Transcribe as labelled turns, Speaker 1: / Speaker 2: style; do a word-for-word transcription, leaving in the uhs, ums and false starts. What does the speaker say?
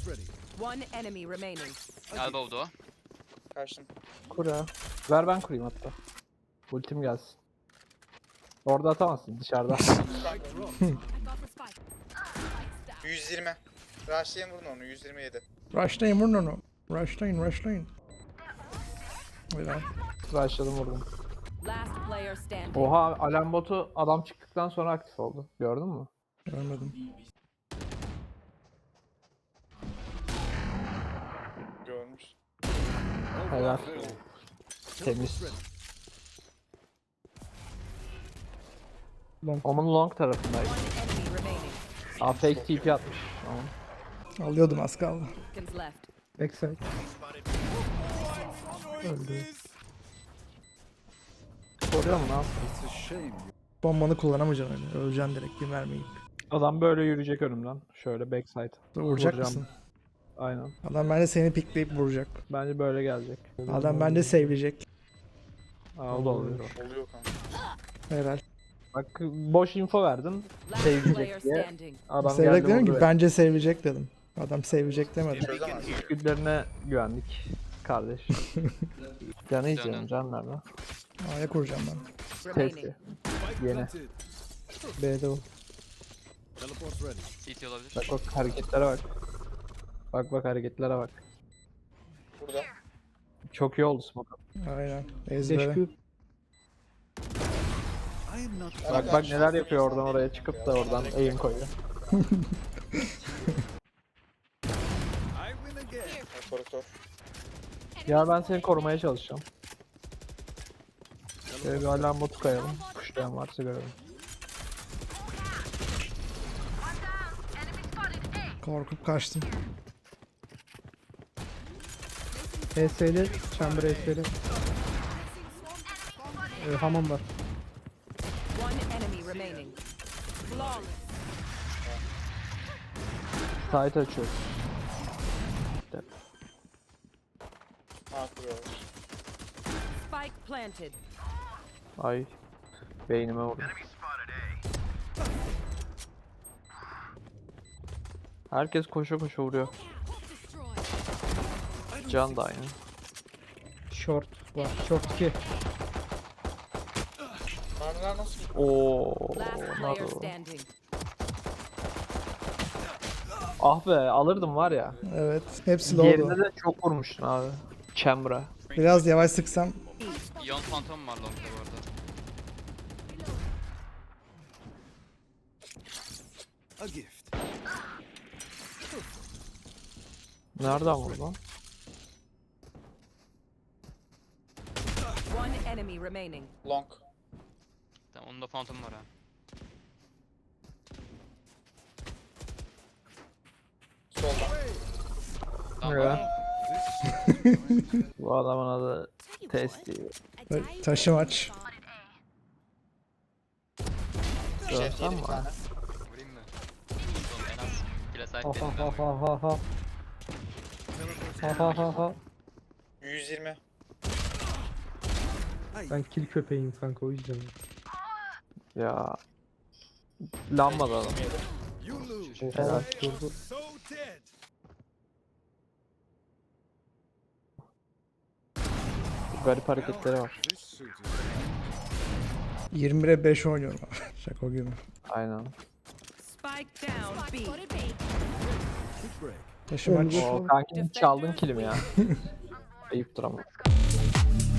Speaker 1: One enemy remaining.
Speaker 2: Elbow'du o.
Speaker 3: Kaçtım.
Speaker 4: Kur ya. Ver ben kurayım hatta. Ultim gelsin. Orada atamazsın dışarıda.
Speaker 3: yüz yirmi. Rushlayın vurun onu. yüz yirmi yedi.
Speaker 5: Rushlayın vurun onu. Rushlayın rushlayın. Helal.
Speaker 4: Başladım vurdum.
Speaker 1: Last player standing.
Speaker 4: Oha alarm botu adam çıktıktan sonra aktif oldu. Gördün mü?
Speaker 5: Görmedim.
Speaker 3: Görmüş.
Speaker 4: Helal. Temiz. Long. Onun long tarafındaydı.
Speaker 1: One enemy remaining.
Speaker 4: Aa fake T P atmış. Tamam.
Speaker 5: Alıyordum az kaldı.
Speaker 1: Seconds left.
Speaker 4: Backside. Öldü. Soruyor mu ne yapayım?
Speaker 5: Bombanı kullanamayacaksın öyle. Öleceksin direkt bir mermiyi.
Speaker 4: Adam böyle yürüyecek önümden. Şöyle backside.
Speaker 5: Vuracak
Speaker 4: Vuracağım.
Speaker 5: mısın?
Speaker 4: Aynen.
Speaker 5: Adam bence seni pikleyip vuracak.
Speaker 4: Bence böyle gelecek.
Speaker 5: Adam bence save'leyecek.
Speaker 4: Aa, o da oluyor.
Speaker 3: Oluyor kanka.
Speaker 5: Helal.
Speaker 4: Bak boş info verdin.
Speaker 1: Last
Speaker 4: Sevecek
Speaker 1: player
Speaker 4: diye.
Speaker 1: standing.
Speaker 4: Adam
Speaker 5: Save'leyecek
Speaker 4: geldi
Speaker 5: dedim ki
Speaker 4: vurdu.
Speaker 5: bence save'leyecek dedim. Adam save'leyecek demedi.
Speaker 3: Çözemez.
Speaker 4: İçgüdülerine güvendik kardeş. Canı izliyorum can nerede?
Speaker 5: A'ya kuracağım ben.
Speaker 1: Remaining.
Speaker 4: Testi. Yeni. B'de o.
Speaker 2: C T olabilir.
Speaker 4: Bak bak hareketlere bak. Bak bak hareketlere bak.
Speaker 3: Burada.
Speaker 4: Çok iyi oldu smoke.
Speaker 5: Aynen. Ezbere.
Speaker 4: Teşekkür. Bak bak neler yapıyor oradan oraya çıkıp da oradan aim koyuyor.
Speaker 3: Operatör.
Speaker 4: Ya ben seni korumaya çalışacağım. Şöyle bir alarm botu koyalım. Kuşlayan varsa görelim.
Speaker 5: Korkup kaçtım.
Speaker 4: E S'li, chamber E S'li. Ee, hamam var.
Speaker 1: One enemy remaining. Flawless.
Speaker 4: Site açıyoruz.
Speaker 3: Ha kuruyorlar.
Speaker 1: Spike planted.
Speaker 4: Ay. Beynime vurdu. Herkes koşa koşa vuruyor. Can da aynı.
Speaker 6: Short var. Short iki.
Speaker 3: Mermiler nasıl?
Speaker 4: Oo,
Speaker 1: Last player
Speaker 4: naru.
Speaker 1: standing.
Speaker 4: Ah be alırdım var ya.
Speaker 5: Evet. Hepsi
Speaker 4: Diğerinde
Speaker 5: low'du.
Speaker 4: de çok vurmuştun abi. Chamber'a.
Speaker 5: Biraz yavaş sıksam.
Speaker 2: Ion Phantom var long'da bu arada.
Speaker 4: Nereden vurdu lan?
Speaker 1: One enemy remaining.
Speaker 3: Long.
Speaker 2: Tamam onun da Phantom var ha.
Speaker 3: Solda.
Speaker 2: Tamam.
Speaker 4: Evet. Bu adamın adı Testi.
Speaker 5: Ta- Taşı maç.
Speaker 3: Jet
Speaker 4: Görsem
Speaker 3: yedi
Speaker 4: mi?
Speaker 3: bir tane.
Speaker 2: Vurayım mı? Oğlum en az kile sahip
Speaker 6: Ha
Speaker 2: benim
Speaker 6: ha
Speaker 2: ben.
Speaker 6: ha ha ha. Ha ha ha ha.
Speaker 3: yüz yirmi.
Speaker 6: Ben kill köpeğim kanka o yüzden.
Speaker 4: Ya. Lambada adam. Helal.
Speaker 6: Durdu.
Speaker 4: Garip hareketleri var.
Speaker 5: yirmi bire beş oynuyorum abi. Şaka gibi.
Speaker 4: Aynen.
Speaker 1: Spike down B.
Speaker 5: Taşı maç.
Speaker 4: O kanki çaldın kilimi ya. Ayıptır ama.